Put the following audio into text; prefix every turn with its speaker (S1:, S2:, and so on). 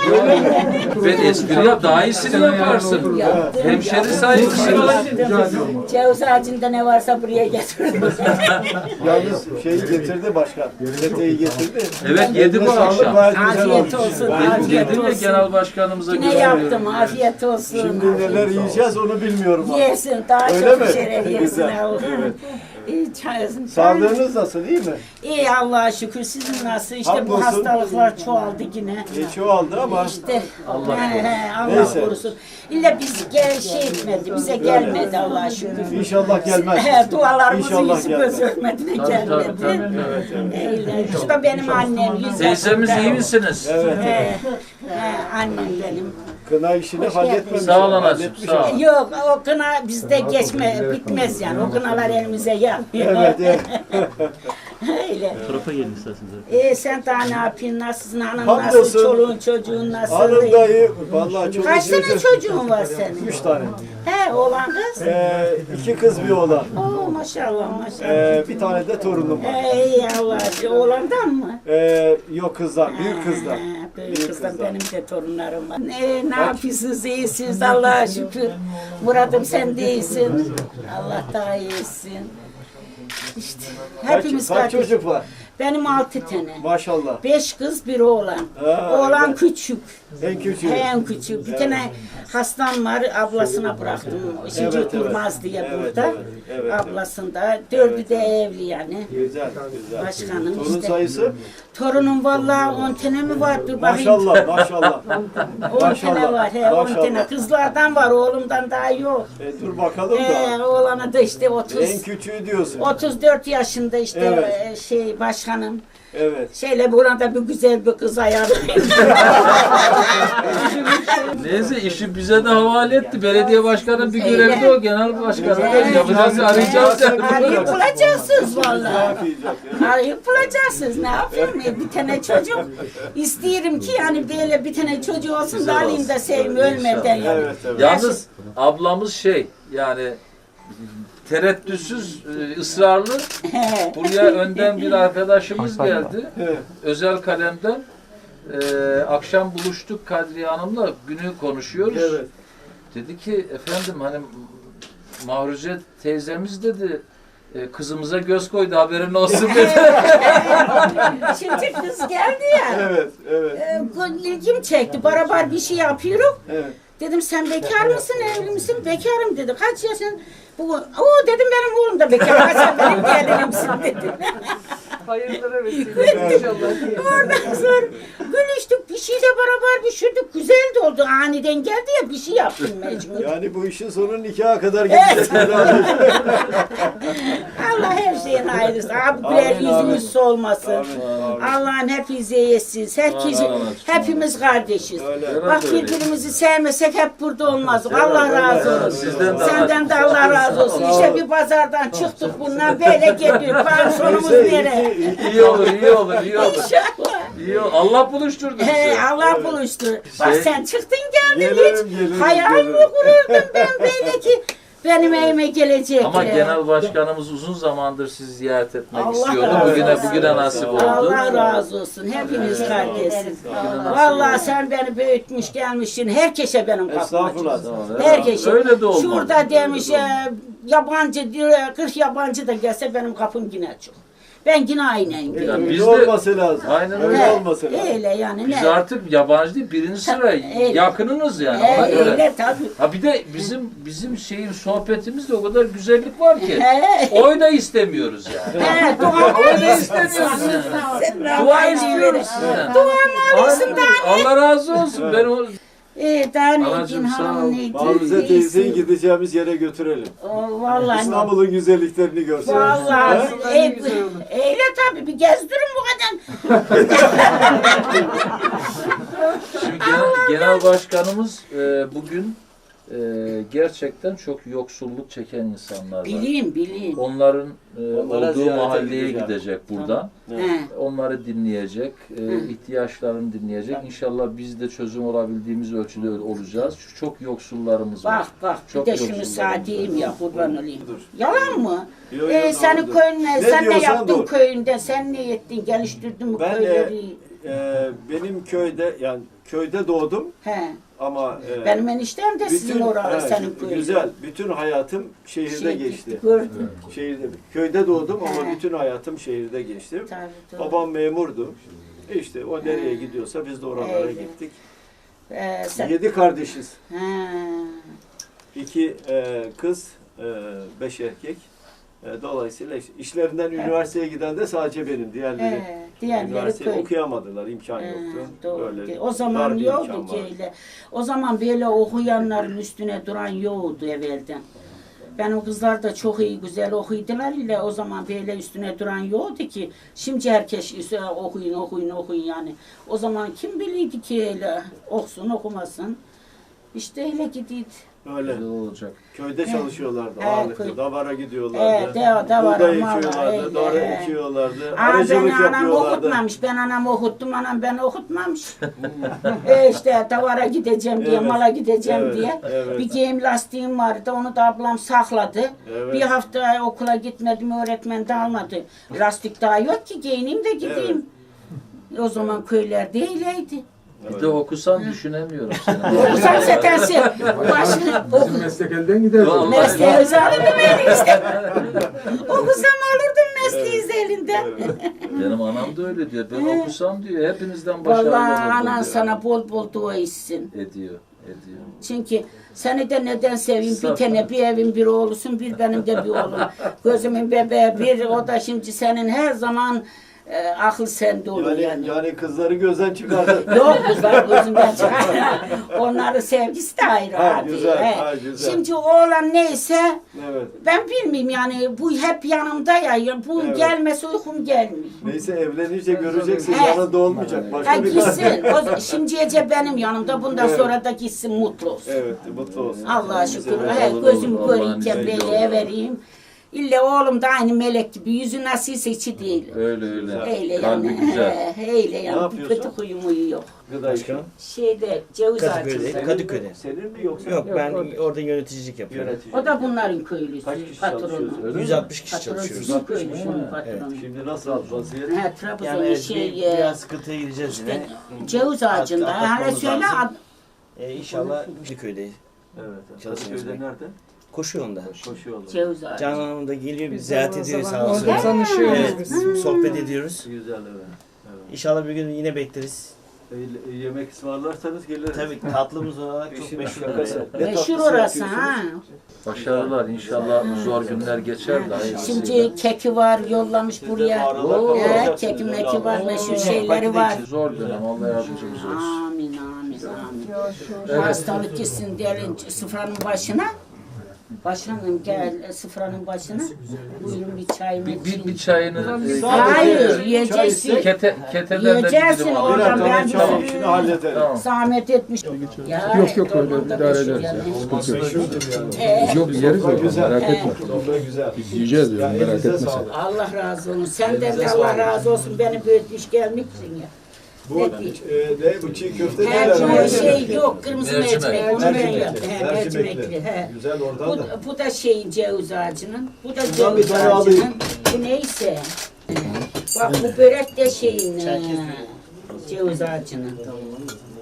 S1: Ben espri yap, daha iyisini yaparsın. Hemşeri saygısınız.
S2: Ceviz ağacında ne varsa buraya getirdim.
S3: Yalnız şeyi getirdi başkan. Çeteyi getirdi.
S1: Evet, yedim o akşam.
S2: Afiyet olsun, afiyet
S1: Yedim ve
S2: olsun.
S1: genel başkanımıza
S2: Yine
S1: götürüyorum.
S2: yaptım, afiyet olsun.
S3: Şimdi neler yiyeceğiz onu bilmiyorum.
S2: Yesin, daha
S3: Öyle
S2: çok
S3: mi?
S2: şeref yesin.
S3: Güzel,
S2: Allah'ım.
S3: evet.
S2: Sağlığınız
S3: Sağlığınız nasıl, iyi mi?
S2: iyi Allah'a şükür. Sizin nasıl? İşte bu
S3: Hamdolsun.
S2: hastalıklar çoğaldı yine.
S3: Çoğaldı ama
S2: İşte
S1: Allah
S2: Allah
S3: Neyse.
S2: korusun. İlla biz şey etmedi, bize gelmedi Allah'a şükür.
S3: İnşallah gelmez.
S2: Dualarımızın
S3: İnşallah
S2: yüzü
S3: gelmez.
S2: göz örmediğine
S1: Tabii,
S2: gelmedi.
S1: tabii, tabii.
S2: Öyle. Şu da benim annem. 100
S1: Teyzemiz
S2: yaşında.
S1: iyi misiniz?
S3: Evet.
S2: Annem benim.
S3: Kına işini halletmemiş.
S1: Sağ ol anacığım,
S3: halletmiş
S1: sağ ol.
S3: ama.
S2: Yok o kına bizde bitmez yani. O kınalar elimize gelmiyor.
S3: Evet, evet.
S2: Öyle.
S4: Tarafa gelin isterseniz.
S2: Sen daha ne yapıyorsun? Nasılsın? Hanım
S3: Hamdolsun.
S2: nasıl? Çoluğun çocuğun nasıl?
S3: Hanım dayı, vallahi çok
S2: Kaç tane çocuğun var senin?
S3: 3 tane.
S2: He oğlan kız?
S3: 2 kız bir oğlan.
S2: Oo maşallah maşallah.
S3: Bir tane de torunum var.
S2: İyi Allah. Oğlandan mı?
S3: Yok kızdan, büyük kızdan.
S2: Büyük kızdan benim de torunlarım var. Ne yapıyorsunuz? İyisiniz Allah'a şükür. Murat'ım sen de iyisin. Allah daha iyisin. İşte hepimiz
S3: Kaç
S2: kardeş.
S3: çocuk var?
S2: Benim 6 tane.
S3: Maşallah.
S2: 5 kız bir oğlan. Oğlan
S3: evet.
S2: küçük.
S3: En küçüğü.
S2: En küçük. Bir tane hastam var, ablasına bıraktım. Şimdi
S3: Evet,
S2: durmaz diye
S3: evet,
S2: burada.
S3: evet.
S2: Ablasında. 4'ü de evli yani.
S3: Güzel, güzel.
S2: Başkanım
S3: Torun
S2: işte.
S3: sayısı?
S2: Torunum vallahi 10 tane mi var? Dur bakayım.
S3: Maşallah, maşallah.
S2: 10 tane var. He, 10
S3: maşallah.
S2: tane. Kızlardan var, oğlumdan daha yok.
S3: Dur bakalım da.
S2: Oğlanı da işte
S3: En
S2: 30.
S3: küçüğü diyorsun.
S2: 34 yaşında işte
S3: Evet.
S2: başkanım.
S3: Evet.
S2: Şeyle burada bir güzel bir kız ayarlayayım.
S1: Neyse işi bize de havale etti. Belediye başkanı bir görevi de o. Genel başkanı da yapacağız, arayacağız.
S2: Arayıp bulacaksınız
S3: Ne
S2: vallahi.
S3: yapacak ya?
S2: Arayıp bulacaksınız. Ne yapayım? Bir tane çocuk isterim ki yani böyle bir tane çocuğu olsun da alayım da sevim ölmeden yani.
S3: Evet, evet.
S1: Yalnız ablamız yani tereddütsüz, ısrarlı. Buraya önden bir arkadaşımız geldi.
S3: Evet.
S1: Özel kalemden. Akşam buluştuk Kadriye Hanım'la, günü konuşuyoruz.
S3: Evet.
S1: Dedi ki efendim hani Mahruze teyzemiz dedi kızımıza göz koydu haberin olsun dedi.
S2: Şimdi kız geldi ya.
S3: Evet, evet,
S2: İlgim çekti. Beraber bir şey yapıyoruz.
S3: evet.
S2: Dedim sen bekar mısın, evli misin? Bekarım dedi. Kaç yaşın? O dedim benim oğlum da bekar. Sen benim gelinimsin dedi.
S5: Hayırlara vesile.
S2: Oradan sonra gülüştük, bir şeyle beraber pişirdik. Güzel de oldu. Aniden geldi ya bir şey yaptım mecbur.
S3: Yani bu işin sonu nikaha kadar gidecek.
S2: Allah her şeyin hayırlısı. Abiler
S3: Amin,
S2: yüzümüz solmasın.
S3: Amin.
S2: Allah'ın hepinize yesin. Herkes,
S1: Amin, amin.
S2: hepimiz kardeşiz.
S3: Öyle.
S2: Bak
S1: Evet, öyle.
S2: birbirimizi sevmesek hep burada olmazdık. Allah razı olsun.
S1: Sizden de
S2: Senden de Allah razı olsun.
S3: Sağ
S2: İşte
S3: ol.
S2: bir pazardan çıktık bundan böyle geliyor. Pansiyonumuz nereye?
S1: iyi olur, iyi olur, iyi olur.
S2: İnşallah.
S1: İyi olur. Allah buluşturdu bizi.
S2: Allah buluştu. Bak
S1: Şey-
S2: sen çıktın geldin
S3: Gelirim,
S2: hiç.
S3: gelirim,
S2: Hayal mi
S3: gelirim.
S2: kururdun ben böyle ki benim evime gelecek.
S1: Ama genel başkanımız uzun zamandır sizi ziyaret etmek
S2: Allah
S1: istiyordu.
S2: razı
S1: Bugüne nasip oldu.
S2: Allah razı olsun. Hepiniz kardeşsiniz. Vallahi sen beni büyütmüş gelmişsin. Herkese benim kapım açık.
S3: Estağfurullah.
S2: Herkese.
S1: Öyle de olmalı.
S2: Şurada demiş yabancı diyor 40 yabancı da gelse benim kapım yine açık. Ben yine aynen geliyorum.
S1: biz
S3: Biz
S1: de-
S3: olması lazım.
S1: Aynen
S3: öyle
S2: He,
S3: olması lazım.
S2: Öyle yani.
S1: Biz
S2: ne?
S1: artık yabancı değil, birinci sıra yakınınız yani. Ona göre.
S2: Öyle tabii.
S1: Ha bir de bizim şeyin sohbetimizde o kadar güzellik var ki.
S2: He.
S1: Oy da istemiyoruz yani.
S2: He, dua
S1: Oy da istemiyoruz yani. Dua istiyoruz sizden.
S2: Dua mı alırsın daha ne?
S1: Allah razı olsun. Ben o
S2: Daha ne
S1: Anacığım,
S2: için
S1: sağ ol.
S2: hanım neydi?
S3: Mahruze teyzeyi gideceğimiz yere götürelim.
S2: Vallahi.
S3: İstanbul'un güzelliklerini görsün.
S2: Vallahi.
S3: He?
S2: Eyle tabii bir gezdirin bu kadar.
S1: şimdi genel başkanımız bugün gerçekten çok yoksulluk çeken insanlar var.
S2: Bileyim.
S1: Onların
S3: Onlara
S1: olduğu
S3: ziyarete
S1: mahalleye
S3: gideceğim.
S1: gidecek buradan.
S2: He.
S1: Onları dinleyecek, ihtiyaçlarını dinleyecek. İnşallah biz de çözüm olabildiğimiz ölçüde olacağız. Şu çok yoksullarımız var.
S2: Bak
S1: Çok
S2: bir de şunu
S1: yoksullarımız
S2: saateyim
S1: var.
S2: ya kurban olayım. Yalan mı?
S3: Yo, yo,
S2: Senin
S3: doğrudur.
S2: köyüne,
S3: Ne
S2: sen ne
S3: diyorsan
S2: yaptın
S3: doğru.
S2: köyünde, sen ne ettin, geliştirdin bu
S3: Ben
S2: köyleri?
S3: benim köyde yani köyde doğdum
S2: He.
S3: ama
S2: Benim eniştem de sizin oralı, senin köyün.
S3: güzel. Bütün hayatım şehirde geçti.
S2: Gördüm.
S3: Şehirde. Köyde doğdum ama
S2: He.
S3: bütün hayatım şehirde geçti.
S2: Tabii, doğru.
S3: Babam memurdu. İşte o nereye gidiyorsa biz de oralara
S2: Evet.
S3: gittik.
S2: Sen...
S3: 7 kardeşiz.
S2: He.
S3: 2 kız, 5 erkek. Dolayısıyla işlerinden üniversiteye giden de sadece benim. Diğerleri
S2: Diğerleri
S3: üniversiteyi
S2: köy.
S3: okuyamadılar, imkan yoktu.
S2: Doğru.
S3: Böyle
S2: O zaman
S3: dar bir
S2: yoktu
S3: imkan
S2: ki
S3: vardı.
S2: öyle. O zaman böyle okuyanların üstüne duran yoktu evvelden. Benim kızlar da çok iyi güzel okuydular ile o zaman böyle üstüne duran yoktu ki. Şimdi herkes okuyun yani. O zaman kim biliydi ki öyle okusun okumasın. İşte öyle gidiydi.
S3: Öyle.
S1: Güzel olacak.
S3: Köyde çalışıyorlardı
S2: Evet,
S3: ağırlıklı.
S2: köy.
S3: Davara gidiyorlardı.
S2: Davara,
S3: Buğday
S2: mala,
S3: ekiyorlardı,
S2: öyle.
S3: doğru ekiyorlardı.
S2: Aa,
S3: Arıcılık
S2: beni anam
S3: yapıyorlardı.
S2: okutmamış. Ben anamı okuttum, anam beni okutmamış. İşte davara gideceğim diye,
S3: Evet,
S2: mala gideceğim
S3: evet,
S2: diye.
S3: evet.
S2: Bir giyim lastiğim vardı, onu da ablam sakladı.
S3: Evet.
S2: Bir hafta okula gitmedim, öğretmen de almadı. Lastik daha yok ki, giyineyim de gideyim. O zaman köylerde öyleydi.
S1: Bir de okusan düşünemiyorum seni.
S2: Okusam setesi,
S4: Bizim meslek elden gider.
S1: Vallahi.
S2: mesleğimizi alırdım elinizden. Okusam alırdım mesleğinizi elinden.
S1: Benim anam da öyle diyor. Ben okusam diyor hepinizden başarılı
S2: Vallahi
S1: olurdum
S2: anan
S1: diyor.
S2: sana bol bol dua etsin.
S1: Ediyor.
S2: Çünkü seni de neden seveyim? Bir
S1: Saf.
S2: tane bir evin bir oğlusun, bir benim de bir oğlum. Gözümün bebeği bir, o da şimdi senin her zaman akıl sende olur yani.
S3: Yani kızları gözden çıkardı.
S2: Yok kızlar gözünden çıkar. Onların sevgisi de ayrı.
S3: Ha,
S2: hadi.
S3: güzel,
S2: He.
S3: ha, güzel.
S2: Şimdi oğlan neyse
S3: Evet.
S2: ben bilmiyorum yani bu hep yanımda ya. Bu
S3: Evet.
S2: gelmese uykum gelmiyor.
S3: Neyse evlenince göreceksin.
S2: He.
S3: Yanında olmayacak.
S2: Ha
S3: Başka bir
S2: gitsin. O, şimdiye benim yanımda. Bundan
S3: Evet.
S2: sonra da gitsin mutlu olsun.
S3: Evet, mutlu olsun.
S2: Allah'a şükür.
S3: Güzel.
S2: He,
S1: olur,
S2: gözümü
S1: olur.
S2: göreyim,
S1: Allah'ın
S2: kemreyle
S3: izniyle.
S2: vereyim. İlle oğlum da aynı melek gibi. Yüzü nasılsa içi değil.
S1: Öyle.
S2: Öyle
S1: Kalbi
S2: yani.
S1: güzel.
S2: Öyle
S3: Ne
S2: yani.
S3: yapıyorsun?
S2: Kötü huyum huyu yok.
S3: Gıda işi.
S2: Şeyde ceviz
S6: Kadıköy'de.
S2: ağacında.
S6: Kadıköy'de.
S3: Senin mi yoksa?
S6: Yok ben orada yöneticilik yapıyorum.
S3: Yönetici.
S2: O da bunların köylüsü.
S3: Kaç kişi
S2: Patronu.
S3: çalışıyorsunuz, öyle mi?
S6: 160 kişi
S2: Patron
S6: çalışıyoruz.
S2: sizin köylüsünün patronu.
S3: Şimdi nasıl vaziyet?
S2: He, Trabzon
S6: Yani evet,
S2: şey,
S6: biraz sıkıntıya gireceğiz yine.
S2: ceviz ağacında. Hala
S6: atlatmamız
S2: söyle
S6: lazım. İnşallah Kadıköy'deyiz.
S3: Evet.
S6: Çalışıyoruz
S3: Kadıköy'de
S6: be.
S3: nerede?
S6: Koşu yolunda.
S3: Koşuyorlar.
S2: ceviz ağacı.
S6: Canan Hanım da geliyor, bizi ziyaret ediyor sağ olsun.
S5: Tanışıyoruz
S6: Evet,
S5: biz.
S6: sohbet ediyoruz.
S3: Güzel evet.
S6: İnşallah bir gün yine bekleriz.
S3: Yemek ısmarlarsanız geliriz.
S6: Tabii tatlımız olarak çok
S3: İşin
S6: meşhur.
S3: şakası. Ne
S2: Meşhur
S3: tatlısı
S2: orası
S3: yapıyorsunuz?
S2: ha.
S1: Başarılar. İnşallah zor günler geçer de hayırlısıyla.
S2: Şimdi keki var yollamış
S3: Siz de
S2: buraya.
S3: mağaralar
S1: Oo.
S3: kapatacaksınız
S2: Keki
S3: öyle
S2: meki var,
S3: Allah.
S2: meşhur şeyleri var.
S1: Zor dönem. Allah yardımcımız olsun.
S2: Amin amin amin.
S1: Evet.
S2: Hastalık gitsin diyelim sıfranın başına. Başkanım gel sıfranın başına. Buyurun bir çayımı
S1: Bir çayını
S2: Hayır yiyeceksin.
S1: keteden de
S2: Yiyeceksin
S1: gidelim.
S2: oradan
S3: Tamam,
S2: ben
S3: tamam,
S2: bir
S3: şunu halledelim.
S1: Tamam.
S2: zahmet etmiş. Ya,
S4: Yok öyle
S2: dolmada
S4: idare
S2: beşik
S4: ederiz ya.
S2: yani.
S4: Sıkıntı yok.
S2: Ee,
S4: Yok yeriz
S3: Sofra
S4: zaten
S3: güzel.
S4: merak etme.
S3: Sofra güzel.
S4: Biz yiyeceğiz diyorum
S3: Ya
S4: merak
S3: elinize
S4: etme sen.
S3: sağlık.
S2: Allah razı olsun. Senden de Allah razı olsun. Beni büyütmüş gelmişsin ya.
S3: Bu
S2: Ne
S3: ne bu çiğ köfte
S2: Her
S3: neler?
S2: şey yok. Kırmızı
S1: Mercimek.
S2: mercimek. Onu ben
S3: Mercimekli.
S2: yaptım. He, mercimekli. He.
S3: Güzel oradan da.
S2: Bu da şeyin ceviz ağacının. Bu da
S3: Bundan bir
S2: ceviz
S3: tane alayım.
S2: ağacının. Bu neyse. Bak bu börek de şeyin. Ceviz ağacının.